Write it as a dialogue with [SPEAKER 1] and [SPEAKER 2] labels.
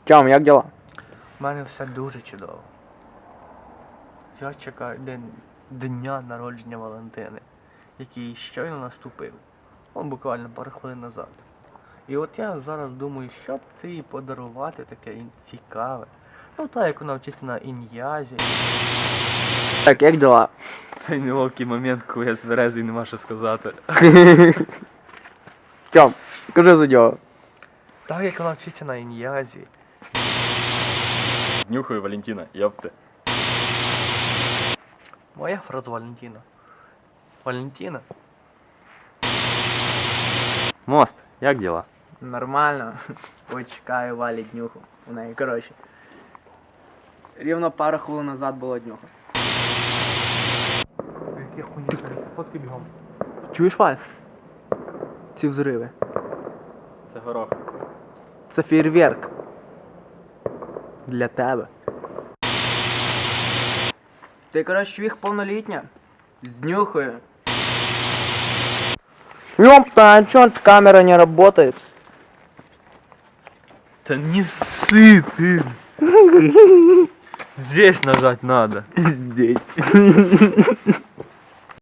[SPEAKER 1] Тьом, як діла?
[SPEAKER 2] У мене все дуже чудово. Я чекаю дня народження Валентини, який щойно наступив. Буквально пару хвилин назад. І от я зараз думаю, що б це їй подарувати таке цікаве. Ну так, як вона вчиться на ін'язі.
[SPEAKER 1] Так, як діла?
[SPEAKER 2] Цей неловкий момент, коли я тверезий, нема що сказати.
[SPEAKER 1] Тьом, скажи за діло.
[SPEAKER 2] Так, як вона вчиться на ін'язі.
[SPEAKER 3] Нюхаю Валентина, ёпты.
[SPEAKER 2] Моя фраза Валентина. Валентина?
[SPEAKER 1] Мост, як діла?
[SPEAKER 4] Нормально. Ой, чекаю Валі днюху. У неї, коротше. Рівно пару хвилин назад було днюха.
[SPEAKER 2] Які хуйні, фотки бігом.
[SPEAKER 4] Чуєш, Валь? Ці взриви.
[SPEAKER 3] Це горох.
[SPEAKER 4] Це фейерверк. Для тебе. Ти, коротше, чвіх повнолітня? З днюхою.
[SPEAKER 1] Ёпта, а чё камера не работает?
[SPEAKER 2] Да не ссы ты! Здесь нажать надо.
[SPEAKER 1] Здесь.